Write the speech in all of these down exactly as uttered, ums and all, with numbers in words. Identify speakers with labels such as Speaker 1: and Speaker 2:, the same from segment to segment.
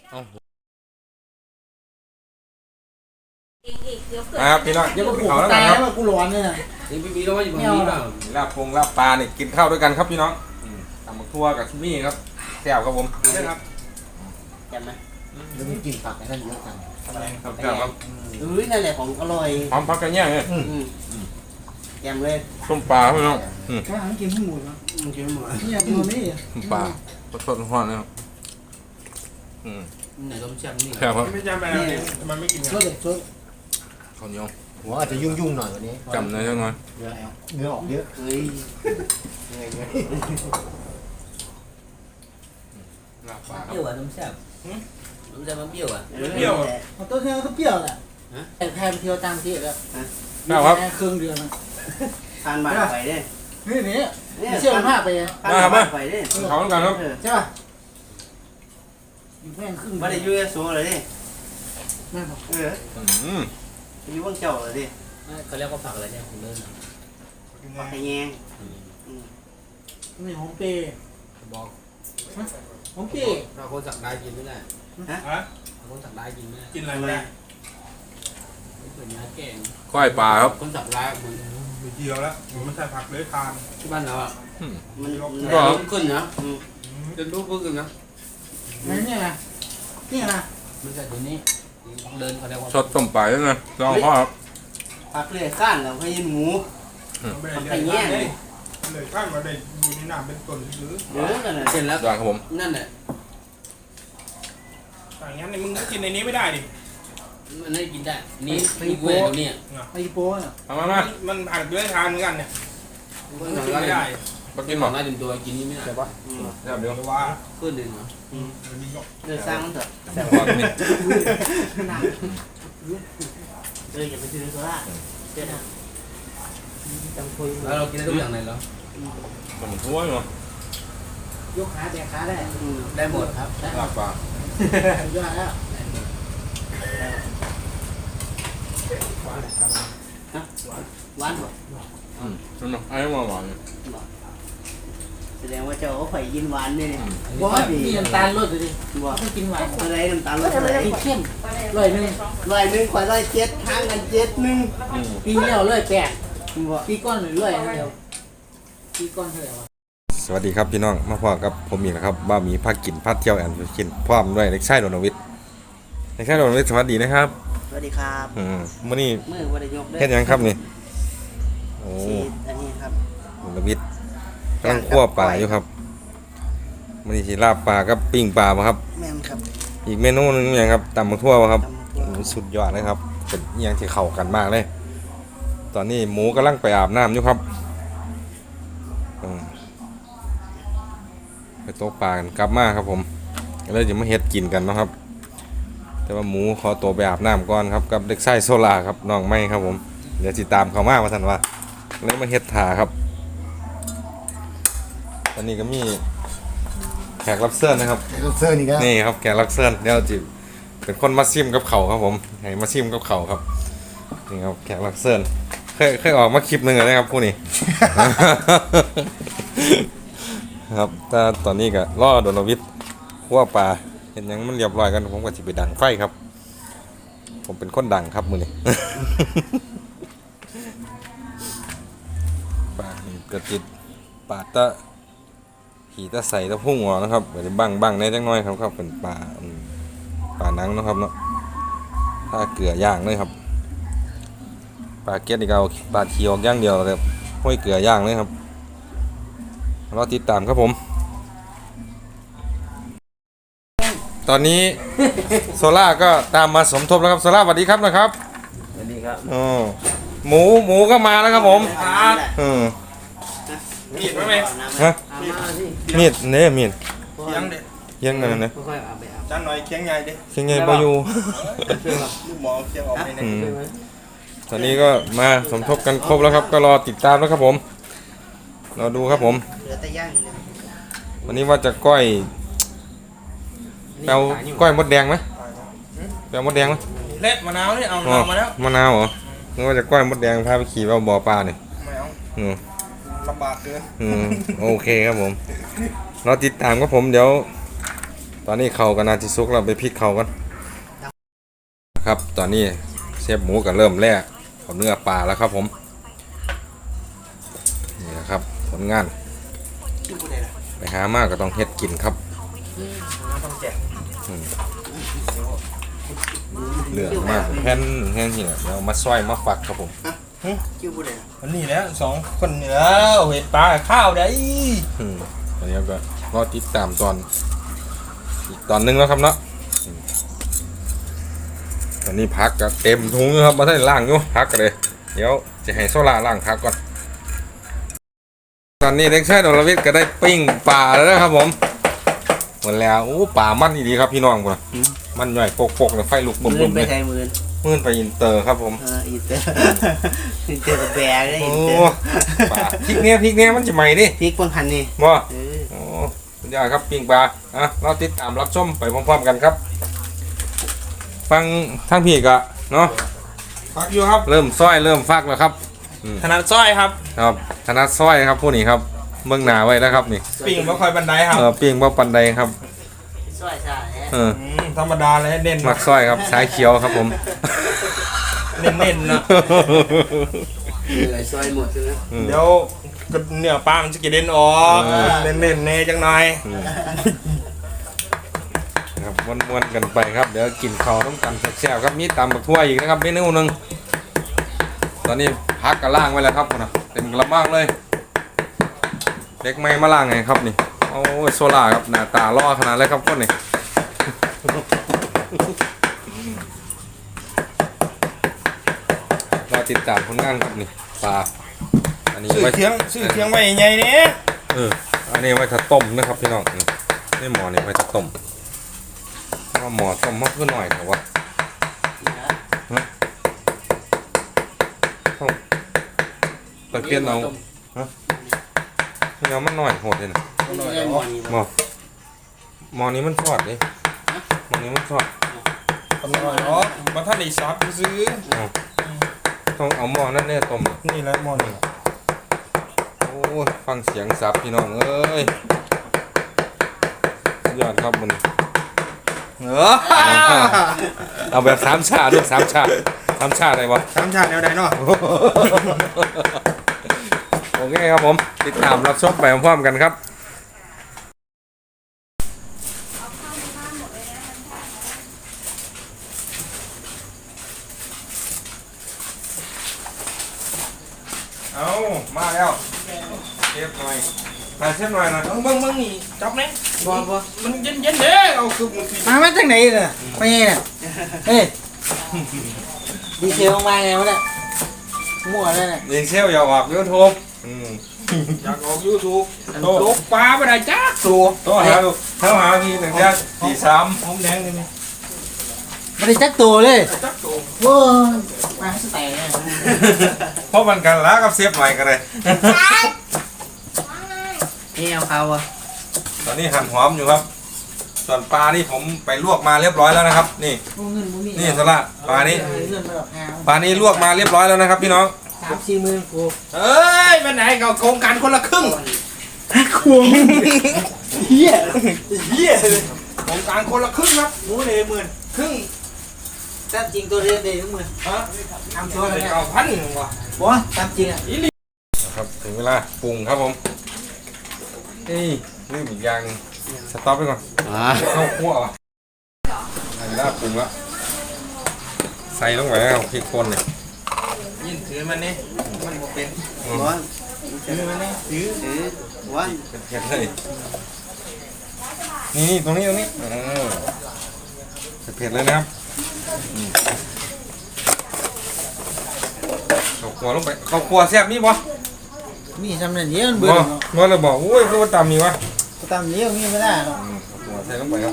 Speaker 1: ครับพี่น้อง
Speaker 2: เดี๋ยวก็ผูก
Speaker 1: เขาแล้ว
Speaker 2: ตา
Speaker 1: กัน
Speaker 2: ย
Speaker 1: ครับ
Speaker 2: ว่ากูร้อนเนี่ยนะ
Speaker 3: นี่พี่มีแล้วว่าอยู่ตรงนี้เปล่า
Speaker 1: ลาบปงลาบปลาเนี่ยกินข้าวด้วยกันครับพี่น้องตำบักทั่วกับชิมี่ครับแซ่บครับผมนี่ครับ
Speaker 3: แกมไหม
Speaker 2: เดี๋ยวมีกลิ่นผักไอ้นั่นเยอะจัง
Speaker 1: ครับแซ่บครับ
Speaker 3: เอ้ยนั่นแหละของอร่อย
Speaker 1: พร้อมพักกันเนี่ยเนี่ย
Speaker 3: แกมเลย
Speaker 1: ต้มปลาพี่น้อง
Speaker 2: แค่หันกินทั้งหมดนะ
Speaker 3: มึงกินไม่หมด
Speaker 2: นี่กินตัวนี้
Speaker 1: ต้มปลาสดๆร้อนๆนะครับอืม
Speaker 3: ไหนต้มแซ่บนี่
Speaker 1: แซ่บครับ
Speaker 4: ไม่จำไปแล้วมันไม่กิน
Speaker 2: ช่วยเด็กช่วย
Speaker 1: ข้าวเหนียว
Speaker 5: หัวอาจจะยุ่งยุ่งๆหน่อยวันนี้
Speaker 1: จำหน่อยจังหน่อย
Speaker 5: เนื้อเนื้อออกเยอะ
Speaker 3: เฮ้ย
Speaker 5: เหนื่อย
Speaker 1: ลาบปลาค
Speaker 3: เป
Speaker 1: รับ
Speaker 3: รี้ยวอ่ะต้มแซ่บต้มแซ่บมันเปรี้ยวอ่ะ
Speaker 4: เปรี้ยว
Speaker 2: มันต้นเที่ยวก็เปรี้ยวแหละแต่แพงเที่ยวตามที่แล้ว
Speaker 1: แซ่บครับ
Speaker 2: แค่ครึ่งเดือนนะ
Speaker 3: ทานบาดไฟได้
Speaker 2: นี่นี่ไม่เชื่อมันมากไป
Speaker 3: ทานบาดไฟได้
Speaker 1: เขาแล้วกันครับ
Speaker 2: ใช่ป่ะอยู่แพงครึ่ง
Speaker 3: ไม่ได้ยูเอสโซเลยดิ
Speaker 2: แม่บอก
Speaker 3: เออ
Speaker 1: อืม
Speaker 3: ยูว่างเจ้าเลยดิเขาเรียกว่าผักอะไรเนี่ยผมเลิศผักไข่แยง
Speaker 2: นี่หอมเปย์
Speaker 3: บอก
Speaker 2: หอมเปย์
Speaker 3: เราคนสักได้กินไม่ได้
Speaker 4: ฮะ
Speaker 3: เราคนสักได้กินไม่ได้
Speaker 4: กินอะไรไม่ได้
Speaker 3: เป็นเนื้อแกง
Speaker 1: ก้อยปลาครับ
Speaker 3: คนสักได้มัน
Speaker 4: ไม่เกี่ยวแล้วผมไม่ใช่ผักเลยทาน
Speaker 3: ที่บ้านเราอ่ะ
Speaker 1: อืม
Speaker 3: มันมันลุกขึ้นนะจะลุกขึ้นนะ
Speaker 2: นี่นี่นะนี่นะ
Speaker 3: มันจะเดี๋ยวนี้เดินเขาเรียกว่า
Speaker 1: สดต้มปลาด้วยนะลองพ่อครับ
Speaker 3: ผักเลื่อยข้านแล้วให้ยินหมู
Speaker 4: ไม่ได้เลี้ยงเลยเลยข้างมาได้อยู่ในน้ำเป็นต้นหรือ
Speaker 3: เดี๋ยวนั่นแหละเสร็จแล้ว
Speaker 1: อย่างครับผม
Speaker 3: นั่นแหละ
Speaker 4: อย่างงั้นมึงก็กินในนี้ไม่ได้ดิ
Speaker 3: มันให้กินได้นี่มีเวทตรงนี้
Speaker 2: ไอ้โป้น่ะ
Speaker 1: มามามา
Speaker 4: มันอาจเลยทานเหมือนกันเนี่ย
Speaker 3: มัน
Speaker 4: กิน
Speaker 3: ไม่
Speaker 4: ไม่
Speaker 3: ได้
Speaker 4: ได้
Speaker 1: มากิ
Speaker 3: กิ
Speaker 1: น
Speaker 3: น
Speaker 1: ห
Speaker 3: ห
Speaker 1: ม
Speaker 3: ม
Speaker 1: ด
Speaker 3: ดได้ถึงตัวกินนี่ไม่ได้
Speaker 1: แซ่บเดี๋ยว
Speaker 4: แต่ว่า
Speaker 3: ขึ้นดึงเหรอ
Speaker 4: มันมีก็
Speaker 3: เดินสร้างมันเถอะ
Speaker 1: แซ่บก่อนนี่
Speaker 3: เอออย่าไปซื้อโซล่าเจ้าจำคุยแล้วเรากินได้ทุกอย่างเลยเหรอ
Speaker 1: มันทั่วเนาะ
Speaker 2: ยกขาแบกขาได้
Speaker 3: ได้หมดครับ
Speaker 1: ลาบปลา
Speaker 2: ยอดแล้ว
Speaker 3: หวานหมด
Speaker 1: อืมนั่นเนาะไอ้มาหวานเนี่ย
Speaker 3: แสดงว่าเจ้าไข่ยินหวานนี่เนี่ย
Speaker 2: บอกว่ามีน้ำตาลลดเลยดิ
Speaker 3: บอก
Speaker 2: ไม่กินหวาน
Speaker 3: อะไรน้ำตาลลดอะไร
Speaker 2: กินเข้มร้อยหนึ่ง
Speaker 3: ร้อยหนึ่งขวดร้อยเจ็ดทางกันเจ็ดหนึ่ง
Speaker 1: อืม
Speaker 2: ปีแล้วร้อยแปด
Speaker 3: บอก
Speaker 2: ปีก้อนหรือร้อยเดียวปีก้อนเท่าไหร่วะ
Speaker 1: สวัสดีครับพี่น้องมาพอกับผมอีกนะครับบ้ามีพักกินพักเที่ยวแอนกินพร้อมด้วยเล็กชายโดนวิทย์เล็กชายโดนวิทย์สวัสดีนะครับ
Speaker 3: สวัสดีครับ
Speaker 1: อืมมื้อนี้
Speaker 3: มือวันยก
Speaker 1: เฮ็ดหยังครับนี่โอ้
Speaker 3: ชีสอันนี้ครับ
Speaker 1: โดนวิทย์กำลังคั่วปลาอยู่ครับมื้อนี้สิลาบปลากับปิ้งปลาบ่ครับ
Speaker 3: แม่นครับ
Speaker 1: อีกเมนูหนึงอย่างครับตำบักทั่วบ่ครับ
Speaker 3: ตำบักทั่ว
Speaker 1: โอ้สุดยอดเลยครับเป็นอหยังที่เข้ากันมากเลย ตอนนี้หมูกำลังไปอาบน้ำอยู่ครับอืมไปตกปลากันกลับมาครับผมก็เลยจะมาเฮ็ดกินกันเนาะครับ แต่ว่าหมูขอตัวไปอาบน้ำก่อนครับกับเด็กชายโซลาครับน้องไม้ครับผมเดี๋ยวติดตามเขามาว่าท่านว่าเลยมาเฮ็ดถาครับตอนนี้ก็มีแขกรับเชิญนะครับ
Speaker 5: ไอ้ลูกเสื้อนี่ก็
Speaker 1: นี่ครับแขกรับเชิญเดี๋ยวจิเป็นคนมาซิมกับเขาครับผมให้มาซิมกับเขาครับนี่ครับแขกรับเชิญเคยเคยออกมาคลิปหนึ่งเลยนะครับผู้นี้ ครับแต่ตอนนี้ก็ล่อโดนวิทย์คั่วปลาเห็นหยังมันเรียบร้อยกันผมก็จะไปดังไฟครับ ผมเป็นคนดังครับมือนี้ ปลานี่กระติดปลาตะขี่ตะใส่ตะพุ่งออกนะครับก็จะบังบังในจังน้อยครับครับเป็นปลาอืมปลาหนังเนาะครับเนาะถ้าเกลือย่างเลยครับปลาเก็ดนี่ก็เอาปลาเคียวย่างเดียวเลยครับห้อยเกลือย่างเลยครับรอติดตามครับผม ตอนนี้ โซล่าก็ตามมาสมทบแล้วครับโซล่าสวัสดีครับนะครับ
Speaker 3: สวัสดีครับ
Speaker 1: อ๋อหมูหมูก็มาแล้วครับผมอืม
Speaker 4: มีดไหมไหม
Speaker 1: ฮะ
Speaker 3: อามาสิ
Speaker 1: มีดเนี่ยมีด
Speaker 4: เคียงเด็ด
Speaker 1: เยังไงนะ
Speaker 3: ค่อยๆเอาไปอาบ
Speaker 4: จานหน่อยเคียงใหญ่ดิ
Speaker 1: เชียงใหญ่ปอยู่
Speaker 4: ลูกหมอเคียงออกไปใน
Speaker 1: อืมตอนนี้ก็มาสมทบกันครบแล้วครับ ก็รอติดตามแล้วครับผมรอดูครับผม
Speaker 3: เหลือแต่ย่างอย่างเดียว
Speaker 1: วันนี้ว่าจะก้อยแปลวก้อยมดแดงไหมแปลวมดแดงไหม
Speaker 4: เละมะนาวนี่เอา
Speaker 1: อ๋อ
Speaker 4: มะนาวมาแล้ว
Speaker 1: มะนาวเหรอนึกว่าจะก้อยมดแดงพาไปขี่เอาบ่อปลาเนี่ย
Speaker 4: ไม่เอา
Speaker 1: อืม
Speaker 4: ลำบากเกิน
Speaker 1: อืมโอเคครับผมรอติดตามครับผมเดี๋ยวตอนนี้เขาก็น่าจะสุกเราไปพริกเขากันครับตอนนี้เชฟหมูก็เริ่มแล่เอาเนื้อปลาแล้วครับผมนี่นะครับผลงาน
Speaker 3: คิวบ่ได้ล่ะ
Speaker 1: ไปหามากก็ต้องเฮ็ดกินครับ
Speaker 3: ต้องแจก
Speaker 1: อืมเหลืองมากแผ่นแห้งนี่แหละเดี๋ยวเอามาซอยมาฝักครับผม
Speaker 3: คิวบ่ได้ล่ะ
Speaker 4: วันนี้แหล้วสองคนเหนือเห็ดปลาข้าวได้
Speaker 1: อืมตอนนี้ก็รอติดตามตอนอีกตอนหนึงแล้วครับเนาะอืมตอนนี้พักก็เต็มถุงอยู่ครับมาได้ล่างอยู่พักกันเลยเดี๋ยวจะให้โซล่าล่างพักก่อนตอนนี้เด็กชายดลวิทย์ก็ได้ปิ้งปลาแล้วนะครับผมหมดแล้วโอ้ปลามันดีครับพี่น้องพุ่นน่ะมันใหญ่โปกๆเลยไฟลุก
Speaker 3: มื
Speaker 1: บึ้
Speaker 3: อ
Speaker 1: มๆ
Speaker 3: ไป
Speaker 1: เลย
Speaker 3: ไทยมือ
Speaker 1: มื่นไปอินเตอร์ครับผม
Speaker 3: เอออินเตอร์อินเตอร์กับแบร์เลย
Speaker 1: โอ้
Speaker 3: อินเตอร์
Speaker 1: ปลาพริกเนี้ยพริกเนี้ยมันจะใหม่ดิ
Speaker 3: พริกบางพันนี่
Speaker 1: บ่
Speaker 3: เออ
Speaker 1: โอ้สุดยอดครับปิ้งปลาอ่ะเราติดตามรับชมไปพร้อมๆกันครับ ฟังทั้งพี่กะเนาะ
Speaker 4: พักอยู่ครับ
Speaker 1: เริ่มซ้อยเริ่มฟักแล้วครับ
Speaker 4: ถนัดสร้อยครับ
Speaker 1: ครับธนัดซ้อยครับผู้นี้ครับเบื้องหน้าไว้แล้วครับนี่
Speaker 4: ปิ่งบ่ค่อยบันไดครับ
Speaker 1: เออปิ้งบ่ปันใดครับ
Speaker 3: ซอยซ่าแฮะ
Speaker 1: เออ
Speaker 4: อืมธรรมดาเลยเด่น
Speaker 1: มักซ้อยครับสายเขียวครับผม
Speaker 4: เน้นๆนะ
Speaker 3: เหนื่อยซอยหมดใช่ไหม
Speaker 1: อืม
Speaker 4: เดี๋ยวก็เนื้อปลามันจะกระเด็นออก
Speaker 1: เออ
Speaker 4: เน้นๆเน่จังหน่อย
Speaker 1: อืมครับม้วนๆกันไปครับเดี๋ยวกินข้าวต้องกันแซ่บๆครับมีตำบักทั่วอีกนะครับเมนูหนึงตอนนี้พักกระล่างไว้แล้วครับนะเต็มกระมังเลยเด็กไม่มาล่างไงครับนี่โอ้ยโซล่าครับหน้าตาล่อขนาดเลยครับคนนี่ เราติดตามผลงานครับนี่ปลาอันนี้
Speaker 4: ซื้อ
Speaker 1: ไว้
Speaker 4: เทียงซื้อเทียงไว้ใหญ่ๆนี่
Speaker 1: เอออันนี้ไว้ถ้าต้มนะครับพี่น้องนี่นี่หมอนี่ไว้ถ้าต้มเพราะว่าหมอต้มมากขึ้นหน่อยแต่ว่าต้องตะเกียบเอาเนื้อมันหน่อยโหดเลยนะ หมอหมอนี้มันทอดเลยหมอนี้มันทอด
Speaker 4: ตำรวจอ๋อมาท่านไอ้ซอสซื้อ
Speaker 1: ต้องเอาหม้อนั่นเนี่ยต้ม
Speaker 4: นี่แหละหม้อนี่
Speaker 1: โอ้ยฟังเสียงสับพี่น้องเอ้ยสุดยอดครับมัน
Speaker 4: เออ
Speaker 1: เอาแบบสามชาด้วยสามชาสามชาได้ปะ
Speaker 4: สามชาติแนวใดเนาะ
Speaker 1: โอเคครับผมติดตามรับชมไปพร้อมๆกันครับเอามาแล้วเชฟหน่อยมาเชฟหน่อยนะ
Speaker 4: เบิ่งเบิ่งนี่จับไหม
Speaker 3: บ่บ่
Speaker 4: มันเย็นๆเด้เอาคือมันสิ
Speaker 2: มามาจากไหนเนี่ยไปไงเนี่ยเฮ้ยดีเซลมาไงวะเนี่ยมั่วเลยเนี่ย
Speaker 1: ยิงเชฟอย่าออกยูทูบอืม
Speaker 4: อยากออก YouTube โตกปลาบ่ได้จักตัว
Speaker 1: โทรหาลูกโทรหาพี่หนึ่งเดือนสี่สาม
Speaker 4: หอมแดงนี่นี่
Speaker 2: ไม่ได้จักตัวเลย
Speaker 4: จักตัว
Speaker 2: โว้ยมาสแตนเนี่ย
Speaker 1: เพราะมันกันแล้วกับเชฟใหม่กันเลย
Speaker 3: นี่เอาเขาอ่ะ
Speaker 1: ตอนนี้หั่นหอมอยู่ครับ ส่วนปลานี่ผมไปลวกมาเรียบร้อยแล้วนะครับ นี่
Speaker 2: พวกเงินพวกนี้
Speaker 1: นี่สละปลานี้
Speaker 2: เงินมาแบบหา
Speaker 1: ปลานี้ลวกมาเรียบร้อยแล้วนะครับพี่น้อง
Speaker 2: สามสี่หมื่นกู
Speaker 4: เอ้ยมันไหนก็โครงการคนละครึ่ง
Speaker 2: ควงเฮีย
Speaker 4: เหี้ยเลยโครงการคนละครึ่งครับหมูเลยหมื่นครึ่ง
Speaker 2: ตามจริงตัวเรียนเด็กทุกมือ
Speaker 4: ฮะ
Speaker 2: ทำตัวอะไรเนี่ย
Speaker 4: เอาพันว่ะ
Speaker 2: บอกว่าตามจริงอ่ะ
Speaker 4: อีหลี
Speaker 1: ครับถึงเวลาปรุงครับผมนี่ลืมอีกอย่างหนึ่งสต็อปไปก่อน
Speaker 3: อ่า
Speaker 1: เข้าคั่วอ่ะถึงเวลาปรุงละใส่ลงไปแล้วพริกป่นเนี่ย
Speaker 4: ยินถือมันนี่มันบ่เป็น
Speaker 3: วัน
Speaker 4: ถือมันนี่ถือ
Speaker 3: ถือวัน
Speaker 1: เป็นเผ็ดเลยนี่นี่ตรงนี้ตรงนี้เออเผ็ดๆเลยนะครับอืมข้าวคั่วลงไปข้าวคั่วแซ่บมีบ่
Speaker 2: มีทำนั่นเยอะมันเบื่อ
Speaker 1: บ่บ่เลยบอกอุ้ยคือว่าตำมีวะ
Speaker 2: ตามนี้มีไม่ได้หรอก
Speaker 1: อืมข้าวคั่วใส่ลงไปครับ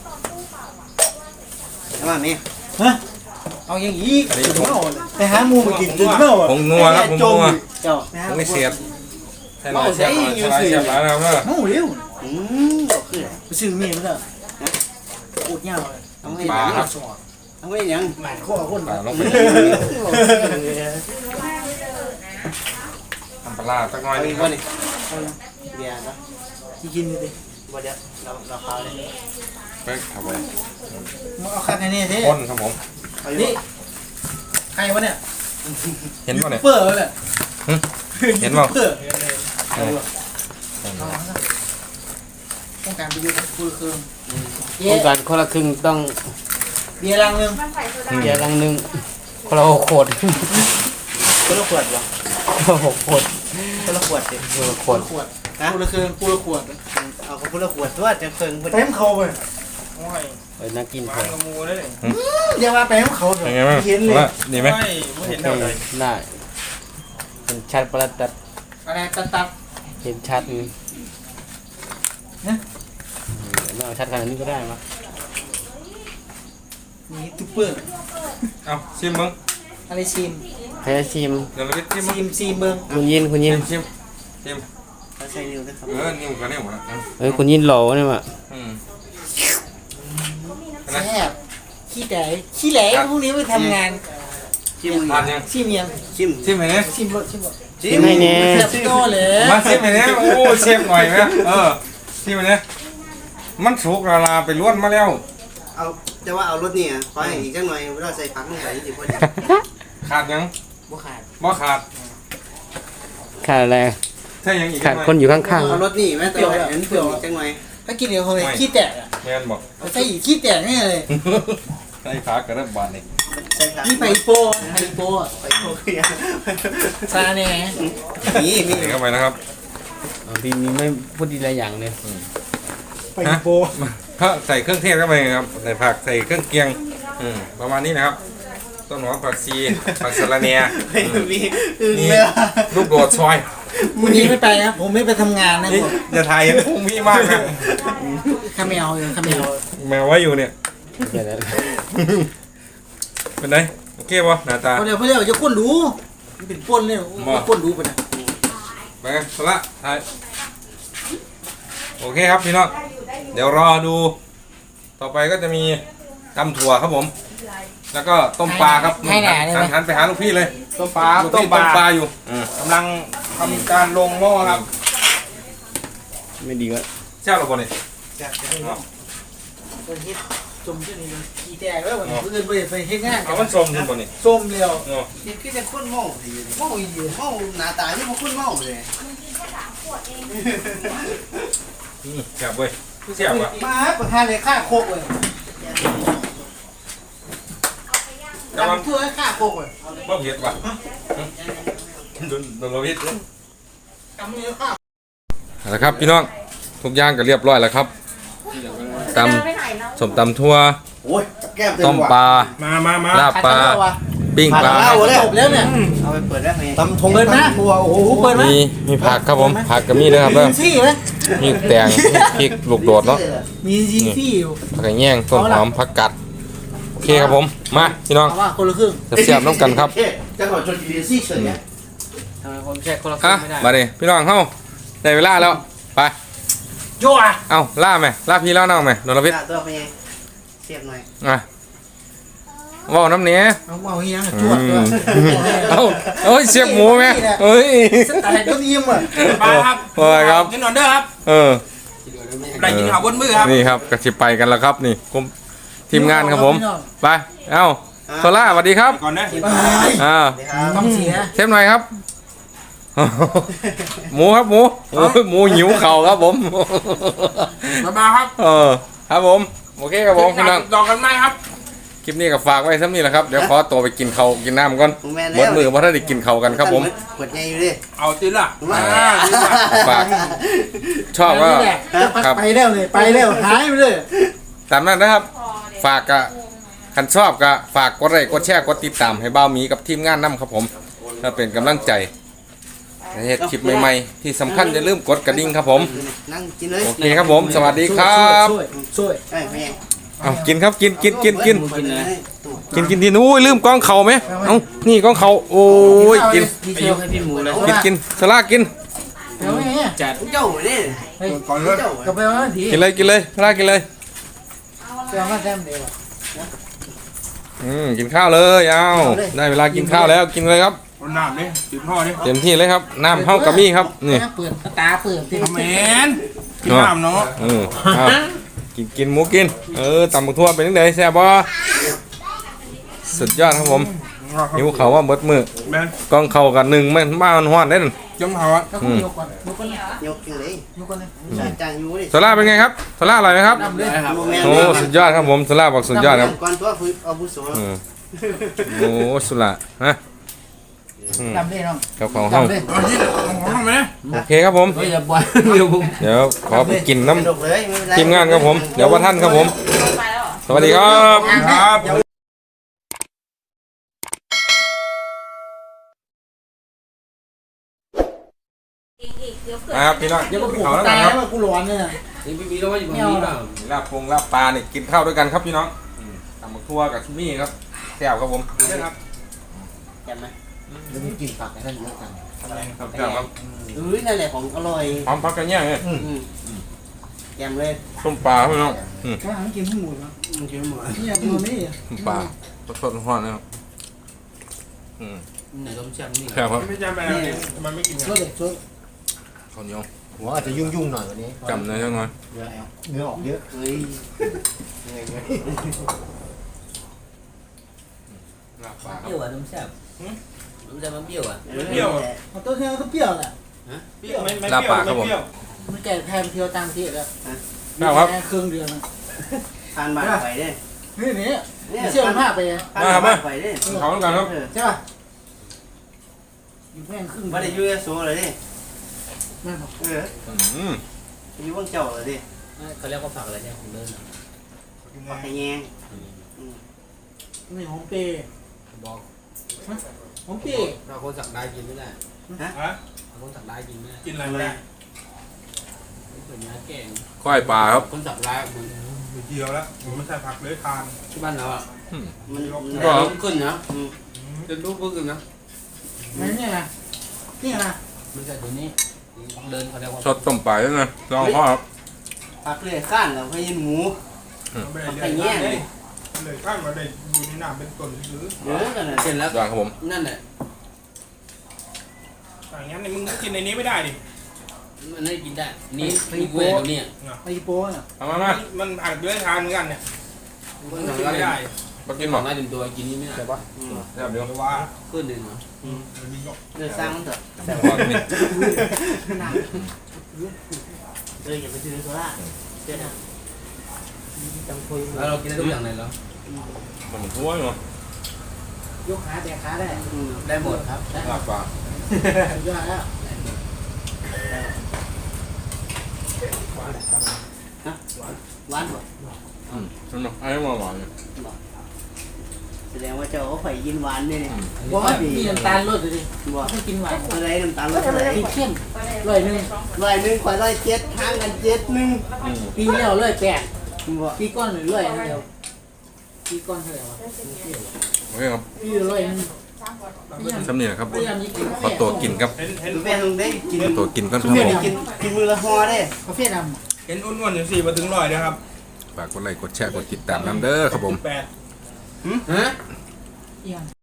Speaker 3: เอามาแม่
Speaker 2: ฮะเอาอย่างนี้ถึงเมาไปหาหมูมากินถึงเมาอ่ะ
Speaker 1: ผงนัวครับผงนัว
Speaker 2: เจ้า
Speaker 1: ผงไม่เสียบใส่หน่อยเสียบหน่อยใส่หน่อยเสียบหลายนะครับเนอะ
Speaker 2: เมาเร็ว
Speaker 3: อืมบ่คือ
Speaker 2: ไปซื้อมีมาแล้วพูดเงาเลย
Speaker 3: เอาให้
Speaker 1: ปลา
Speaker 3: ยัง
Speaker 1: ครับ
Speaker 3: เอาให้ยัง
Speaker 2: หมันข้อคน
Speaker 1: ปลาลงไปทำปลาร้าสักหน่อย
Speaker 3: เอา
Speaker 1: หนึ
Speaker 3: อี
Speaker 1: ง
Speaker 3: ก
Speaker 1: ครั
Speaker 3: บ่
Speaker 1: บ
Speaker 3: นี่เบียร์นะ
Speaker 2: ที่กินเลยดิ
Speaker 3: บ่เดี๋ยวเราเราพาเลย
Speaker 1: ไปเข้าไป
Speaker 2: มึงเอาคันนี้ดิ
Speaker 1: คนครับผม
Speaker 2: นี่ใครวะเนี่ย
Speaker 1: เห็นป่ะเนี่ย
Speaker 2: เปิดเลย
Speaker 1: เห็นป่ะ
Speaker 2: เปิดต้องการไปอยู่คุยคืน
Speaker 3: ต้องการคนละครึ่งต้อง
Speaker 2: เบียร์ลังนึง
Speaker 3: เบียร์ลังหนึงคนละหกขวด
Speaker 2: คนละขวดวะ
Speaker 3: คนละหกขวด
Speaker 2: คนละขวดสิ
Speaker 3: คนละข
Speaker 2: คว
Speaker 3: ด
Speaker 2: นละขวดคุยคืนคุยละขวด
Speaker 3: เอาคนละขวดตัวจะเพิ่ง
Speaker 2: เต็มเขาไป
Speaker 4: โอ้ย
Speaker 3: เออน่ากิน
Speaker 4: วา
Speaker 3: เพิ่
Speaker 4: ง
Speaker 3: ง
Speaker 4: กระมูเลย
Speaker 2: อย่ามาเต็มเขา
Speaker 1: เป็นไงบ้าง
Speaker 2: เห็นเลย
Speaker 1: ว่าดีไหม
Speaker 4: ไม่ไม่เห็นเท่าไหร่
Speaker 3: ได้เห็นชัดประตัด
Speaker 2: อะไรตัดตัด
Speaker 3: เห็นชัดนี่ไม่เอาชัดขนาดนี้ก็ได้มั้ย
Speaker 2: นี่ตุ๊ปเปอร์
Speaker 1: เอาชิมมึง
Speaker 2: อะไรชิม
Speaker 3: ให้ชิม
Speaker 1: เดี๋ยวเราไปชิมมึง
Speaker 2: ชิมชิมเบิ้ง
Speaker 3: คุณยินคุณยิน
Speaker 1: ชิมชิม
Speaker 2: ใส่นิ้วนะครับ
Speaker 1: เออนิ้วกับนิ้วนะ
Speaker 3: เอ้ยคุณยินหล่อเนี่ยมั้ย
Speaker 1: อืม
Speaker 2: แซ่บขี้แตกขี้แหลพวกนี้ไปทำงาน
Speaker 3: ชิม
Speaker 1: ทานยัง
Speaker 2: ชิมยัง
Speaker 3: ชิม
Speaker 1: ชิมไหมเนี่ย
Speaker 2: ชิมรสชิมรส
Speaker 3: ชิมให้แน่
Speaker 2: แซ่บโตเลย
Speaker 1: มาชิมไหมเนี่ยโอ้เชฟหน่อยไหมเออชิมไหมเนี่ยมันสุกละลาไปล้วนมาแล้ว
Speaker 6: เอาแต่ว่าเอารถนี่อ่ะขอให้อีกจังหน่อยเวลาใส่ผักลงไปนี่สิพอดี
Speaker 1: ขาดยัง
Speaker 2: บ่ขาด
Speaker 1: บ่ขาด
Speaker 3: ขาดอะไร
Speaker 1: ถ้ายังอีก
Speaker 3: ขาดคนอยู่ข้าง
Speaker 6: เอารถนี่แม่ตัวเห็นเปรี้ยวอีกจังหน่อย
Speaker 2: ถ้ากินเดี๋ยวเขาเลยขี้แตกอ่ะ
Speaker 1: แมนบอก
Speaker 2: ใส่อีกขี้แตกแน่เลย
Speaker 1: ใส่ขากระดับบาดนี่
Speaker 6: ใส่ผัก
Speaker 2: นี่ไปโป้ไปโป้
Speaker 6: ไปโอเค
Speaker 2: ซาแน่
Speaker 6: นี่มี
Speaker 1: ใส่เข้าไปนะครับ
Speaker 3: ๆพี่มีไม่พูดดีหลายอย่างเลย
Speaker 2: ไปโป้
Speaker 1: ถ้าใส่เครื่องเทศเข้าไปครับใส่ผักใส่เครื่องเคียงอืมประมาณนี้นะครับต้นหอมผักชีผักสะระเนีย
Speaker 6: ไม่มีอึ้ง
Speaker 1: นี่
Speaker 6: เลย
Speaker 1: ลูกโดดซอย
Speaker 2: วันนี้ไม่ไปนะผมไม่ไปทำงานนะ
Speaker 1: นี่
Speaker 2: ผม
Speaker 1: อย่าถ่ายเห็นพุงพี่มากนะ
Speaker 2: ข้าแมวอยู่ข้าแมว
Speaker 1: แมวไว้อยู่เนี่ย
Speaker 3: เดี๋ยวนะ
Speaker 1: เป็นไงโอเคป่ะหน้าตา
Speaker 2: เพราะเดี๋ยวเพราะเดี๋ยวจะก้นดูมันเป็นป้นเลยก้นดูไปนะ
Speaker 1: ไปกันสละถ่ายโอเคครับพี่น้องเดี๋ยวรอดู ต่อไปก็จะมีตำถั่วครับผม แล้วก็ต้มปลาครับ
Speaker 2: ให้หนาเลย
Speaker 1: หัน
Speaker 2: ไหม
Speaker 1: หันไปหาลูกพี่เลย
Speaker 4: ต้มปลา
Speaker 1: ลูก
Speaker 4: ต้ม
Speaker 1: พี่
Speaker 4: ป
Speaker 1: ต้มป
Speaker 4: ลา
Speaker 1: ลาอยู่อืม
Speaker 4: กำลังทำการลงหม้อครับ
Speaker 3: ไม่ดีวะ
Speaker 1: เช่าหรือเปล่าเนี่ย
Speaker 2: คนเฮ็ดจมเช่นนี้เลยขี้แตกแล้วมันเพื่อนไปไปเฮ็ดงาน
Speaker 1: เอามันชมดูป่ะเนี่ย
Speaker 2: ส้มเดียว
Speaker 1: เนาะ
Speaker 6: นี่คือจะคุ้นหม้อสิ
Speaker 2: โอ้ย
Speaker 6: หม้อหน้าตาที่มันคุ้นหม้อเลย
Speaker 1: อืมแซ่บเว้ยแซ่บอ่ะ
Speaker 2: มาประธานเลยฆ่าโคกเลย
Speaker 1: แต่ว่า
Speaker 2: ทำเพื่อให้ฆ่าโคกเลย
Speaker 1: บ่เผ็ดว่ะโดนโดนเราเผ็ดเลย
Speaker 2: ทำเพื่อฆ่า
Speaker 1: เอาละครับพี่น้องทุกอย่างก็เรียบร้อยแล้วครับตำสมตำทั่ว
Speaker 6: โอ้ยแก้มเต็ม
Speaker 1: ต้ม
Speaker 6: ว่ะ
Speaker 1: ปลา
Speaker 4: มามามา
Speaker 1: ลาบปลาปิ้งปลา
Speaker 2: จบแล้วเนี่ย
Speaker 6: เอาไปเปิดได้ไหม
Speaker 5: ตำทง
Speaker 2: เปิดนะ
Speaker 5: ตัวโอ้โห
Speaker 2: เปิดไหม
Speaker 1: มีมีผักครับผมผักก็มีเลยครับเด้อ
Speaker 2: มีซี่ไหม
Speaker 1: มีแตงพริกลูกโดดเนาะ
Speaker 2: มีซี่อยู่
Speaker 1: ผักกระแยงต้นหอมผักกัดโอเคครับผมมาพี่น้อง
Speaker 2: เอาว่าคนละครึ่ง
Speaker 1: เสียบๆน้ำกันครับ
Speaker 6: จังหวะจนดีซี่เฉยเนี่ย
Speaker 3: ทำไมผมแช่คนละครึ่
Speaker 1: อ่ะ
Speaker 3: งไม่ได้
Speaker 1: มาดิพี่น้องเข้าได้เวลาแล้วไป
Speaker 2: โย่อะ
Speaker 1: เอ้าล่าไหมล่าพี่ล่าน้องไหมโดนพิษ
Speaker 6: หน้าตัวไปยังเสียบหน่อย
Speaker 1: อ่ะว่าวน้ำเนี้ย
Speaker 2: เอาเอาเฮียจวดด้วย
Speaker 1: เอ้าเอ้ยเสียบหมูไหมเอ้ย
Speaker 2: สไตล์ต้นยิ้มอ่ะ
Speaker 4: ปลาครับ
Speaker 1: โอ้ยครับ
Speaker 4: กินหน่อยเด้อครับ
Speaker 1: เออ
Speaker 4: ได้กินข้าวบนมือครับ
Speaker 1: นี่ครับกระชิบไปกันแล้วครับนี่ผมทีมงานครับผมไปเอ้าโซล่าสวัสดีครับ
Speaker 4: ก่อนนะ
Speaker 1: อ่า
Speaker 2: ต้องเสีย
Speaker 1: เชฟหน่อยครับ หมูครับหมูโอ้ยหมูหิวเข่าครับผม
Speaker 4: มามาครับ
Speaker 1: เออครับผมโอเคครับผมพี่น้อง
Speaker 4: ต่อกันไหมครับ
Speaker 1: คลิปนี้ก็ฝากไว้ซ้ำนี่แหละครับเดี๋ยวขอตัวไปกินข้าวกินน้ำก่อน
Speaker 6: ผมแม่น
Speaker 1: หม
Speaker 6: แล้
Speaker 1: ด
Speaker 6: ว
Speaker 1: มือเพราะถ้าได้กินข้าวกันครับผม
Speaker 6: เปิดไงอยู่ดิ
Speaker 4: เอาติละ
Speaker 6: มา
Speaker 1: ฝากชอบก็ ครับ
Speaker 2: ไปแล้วเลยไปแล้วหายไปเลย
Speaker 1: ตามนั้นนะครับ ฝากกะคันชอบก็ฝากกดไลค์กดแชร์กดติดตามให้เบ้าหมีกับทีมงานนำครับผมเพื่อเป็นกำลังใจในเหตุคลิปใหม่ๆที่สำคัญอย่าลืมกดกระดิ่งครับผม
Speaker 6: นั่งกินเลย
Speaker 1: โอเคครับผม สวัสดีครับ
Speaker 2: ช่วยช่วย
Speaker 6: ไอ้แม่
Speaker 1: เอากินครับกินกินกินกิน
Speaker 6: กินเลย
Speaker 1: กินกินทีนู้ยลืมกล้องเขาไหมเอ้านี่กล้องเขาโอ้ยกิน
Speaker 2: ดี
Speaker 3: ไป
Speaker 2: เท
Speaker 3: ย
Speaker 2: ล
Speaker 3: กให้พี่หมูเลย
Speaker 1: กินกินสลากิน
Speaker 2: เดี๋ยวไงเนี่ย
Speaker 3: จัด
Speaker 6: เจ้าเนี่ย
Speaker 4: ก่อนเลย
Speaker 6: เจ้า
Speaker 2: ก็ไปว่าดี
Speaker 1: กินเลยกินเลยสลากินเลย
Speaker 2: เดี๋ยวมาแซมเดี๋ยว
Speaker 1: อืมกินข้าวเลยเอาได้เวลากินข้าวแล้วกินเลยครับ
Speaker 4: เอาน้ำนี่ติดพ่อนี่
Speaker 1: เต็มที่เลยครับน้ำเฮากะมี่ครับนี่
Speaker 2: เปิดตาเปิดที่
Speaker 4: ทำแมนกินน้ำเนาะ
Speaker 1: เออเอากินกินหมูกินเออตำบักทั่วเป็นยังไงแซ่บบ่สุดยอดครับผมหิวเขาวว่าเบิดมือ
Speaker 4: แม่น
Speaker 1: กองเข่ากันหนึ่งมันมามันฮ้อนได้นั่น
Speaker 4: จมเขาอ่ะ
Speaker 2: ถ้าคุณยกก่อนยกก่อนเลย
Speaker 6: ยกขึ้นเลย
Speaker 2: ยกก่อนเลย
Speaker 6: ใส่จานอยู่ดิ
Speaker 1: โซล่าเป็นไงครับโซล่าอร่อยไหมครับ
Speaker 2: ดำเลย
Speaker 6: โมเมนต์
Speaker 1: โอ้สุดยอดครับผมโซล่าบอกสุดยอดครับ
Speaker 6: ก่อนตัวฝึกอาวุโส
Speaker 1: เออโอ้สุดละฮะอืม
Speaker 2: ดำเลยน้อง
Speaker 1: ครับของห้อง
Speaker 2: ดำเลย
Speaker 4: เอาที่ของของไหม
Speaker 1: โอเคครับผม
Speaker 3: เฮ้ยอย่าปล่อยเดี๋ยวผม
Speaker 1: เดี๋ยวขอไปกินน้
Speaker 6: กระดกเลยไม่เป็นไร
Speaker 1: ำทีมงานครับผม เดี๋ยวว่าท่านครับผม สวัสดีครับ
Speaker 4: ครับ
Speaker 1: นะครับพี่น้อง
Speaker 2: เดี๋ยวก็ผูก
Speaker 1: เขาแล้ว
Speaker 2: ตา
Speaker 1: กัน
Speaker 2: ย
Speaker 1: ครับ
Speaker 2: ว่ากูร้อนเนี่ย
Speaker 3: นี่พี่บีเราว่าอยู่ตรงนี้เปล่า
Speaker 1: ลาบปงลาบปลาเนี่ยกินข้าวด้วยกันครับพี่น้องอืมตำบักทั่วกับชิมี่ครับแซ่บครับผม
Speaker 6: ครับแกมไหม
Speaker 5: แล้วมีกลิ่นผักในนั้นเยอะจัง
Speaker 1: ครับแซ่บครับ
Speaker 6: เอ้ยนั่นแหละของอร่อย
Speaker 1: พร้อมพักกันเนี่ยงเนี่ย
Speaker 6: อืมแกมเลย
Speaker 1: ต้มปลาครับพี่น้องอืม
Speaker 2: กำลังกินข้าวหมูเนาะ
Speaker 6: มันกินหมด
Speaker 2: นี่ยังตัวนี้
Speaker 1: ต้มปลาสดๆร้อนๆนะครับอืม
Speaker 3: ไหนต้มแซ่บนี่
Speaker 1: แซ่บครับ
Speaker 4: ไม่จำไปแล้วมันไม่กิน
Speaker 2: ช่วยเด็กช่วย
Speaker 1: ข้าวเหนียว
Speaker 5: หัวอาจจะยุ่งยุ่งๆหน่อยวันนี้
Speaker 1: จำเลยจังหน่อย
Speaker 5: เยอะแล้วเนื้อออกเยอะ
Speaker 6: เฮ้ยเหนื่อยเลย
Speaker 1: ลาบปลาค
Speaker 3: เป
Speaker 1: รับ
Speaker 3: รี้ยวอ่ะต้มแซ่บต้มแซ่บมันเปรี้ยวอ่ะ
Speaker 6: เปรี้ยว
Speaker 2: เอาตัวเที่ยวก็เปรี้ยวแหละ
Speaker 4: เปรี้ยวไม่ไม่เปรี้ยวไม่เปรี้ยว
Speaker 2: มันแก่แทนเที่ยวตามที่แล้ว
Speaker 1: แซ่บครับ
Speaker 2: แค่เครื่องเดือนนะ
Speaker 6: ทานบานไฟได้
Speaker 2: นี่นี่
Speaker 6: เนี่ย
Speaker 2: เชื่อมันผ้าไป
Speaker 6: ทานบานไฟได้
Speaker 1: เขาแล้วกันครับ
Speaker 2: ใช่ป่ะอยู่แม่งครึ่ง
Speaker 6: ไม่ได้ยุ่ยสูงเลยดิ
Speaker 2: แม่งบอก
Speaker 6: เออ
Speaker 1: อืม
Speaker 6: ยุ่งเจ้าเลยดิ
Speaker 3: เขาเรียกว่าผักอะไรเนี่ยของเดิน
Speaker 6: ปักแยง
Speaker 2: นี่หอมเปย์
Speaker 3: บอก
Speaker 2: หอมเปย์
Speaker 3: เราคนสักได้กินไม่ได้
Speaker 4: ฮะ
Speaker 3: เราคนสักได้กินไม่ได้
Speaker 4: กินอะไรไม่ได้
Speaker 3: เป็นเนื้อแกง
Speaker 1: ก้อยปลาครับ
Speaker 3: คนสักได้มัน
Speaker 4: ไม่เกี่ยวแล้วผมไม่ใช่ผักเลยทาน
Speaker 3: ที่บ้านเราอ่ะ
Speaker 6: มัน
Speaker 3: แต่ลุกขึ้นนะจะลุกขึ้นนะ
Speaker 2: นั่นเนี่ยนะนี่นะ
Speaker 3: ไม่ใช่ตัวนี้เดินเขาเรียกว่า
Speaker 1: สดต้มปลาด้วยนะลองพ่อครับ
Speaker 6: ปักเลยข้านเราให้ยินหมู
Speaker 4: ไม่ได้เลี้ยงเลยเลยข้างมาได้อยู่ในน้ำเป็นต้นซื้อ
Speaker 6: เยอะกันนะ
Speaker 3: เสร็จแล้ว
Speaker 1: ยอดครับผม
Speaker 3: นั่นแหละ
Speaker 4: อย่างงั้นมึงกินในนี้ไม่ได้ดิ
Speaker 3: มันให้กินได้นี่นี่เว้ยตรงนี้
Speaker 2: ไอ้โป้น่ะ
Speaker 1: เอามามา
Speaker 4: มันผักด้วยทานเหมือนกันเนี่ย
Speaker 3: คน
Speaker 4: กิ
Speaker 3: สั
Speaker 4: น
Speaker 3: ก
Speaker 4: ไม่
Speaker 3: ได้
Speaker 4: ได้
Speaker 1: มากิน
Speaker 3: ข
Speaker 1: หม
Speaker 3: อ
Speaker 1: ด
Speaker 3: งง่ายเต็มตัวกินนี่ไม่ได้
Speaker 1: แซ่บเดี๋ยว
Speaker 4: แต่ว่า
Speaker 3: ขึ้นดึงเหรอ
Speaker 4: มันมี
Speaker 6: เดือดสร้างเถอะ
Speaker 1: แซ่บพอนี่
Speaker 3: เอออย่าไปซื้อโซล่าเจ๊นะจำคุยแล้วเรากินได้ทุกอย่างเลยเหรอ
Speaker 1: มันทั่วอยู่
Speaker 2: ยกขาแดกขาได้
Speaker 3: ได้หมดครับ
Speaker 1: ลาบปลา
Speaker 2: สุดยอดแล้ว
Speaker 6: หวานบ่
Speaker 1: อืมสนุกไอ้หวานหวานเนี่ย
Speaker 6: แสดงว่าเจ้าเขาไฟยินหวานเนี่ย
Speaker 2: บอกว่ามีน้ำตาลลดเลยดิ
Speaker 6: บ่
Speaker 2: ไม่กินหวาน
Speaker 6: อะไรน้ำตาลรสอะไร
Speaker 2: กินเข้มร้อยหนึ่ง
Speaker 6: ร้อยหนึ่งขวดร้อยเจ็ดทางกันเจ็ดหนึ่ง
Speaker 1: อืม
Speaker 2: ปีแล้วร้อยแปด
Speaker 6: บ่
Speaker 2: ปีก้อนหรือร้อยเดียวปีก้อนเท่าไหร่วะ
Speaker 1: โอเคครับ
Speaker 2: ปีละร้อยหนึ่ง
Speaker 1: สำเนียงครับ
Speaker 2: พยายามยิ่งกิน
Speaker 1: ขอตัวกินครับ
Speaker 4: เห็นเห็น
Speaker 6: แม่ลงได้กิน
Speaker 1: ตัวกินก่อนค
Speaker 6: ทุ
Speaker 1: รับ
Speaker 6: เรียน
Speaker 1: ผม
Speaker 6: กินกินมือละห่อได้
Speaker 2: กาแฟด
Speaker 4: เห็นอ้วนๆอยู่สี่มาถึงร้อยนะครับ
Speaker 1: ฝากกดไลค์กดแชร์กดติดตามน้ำเด้อครับผม
Speaker 4: แปด
Speaker 3: ฮะ
Speaker 2: ำเอียง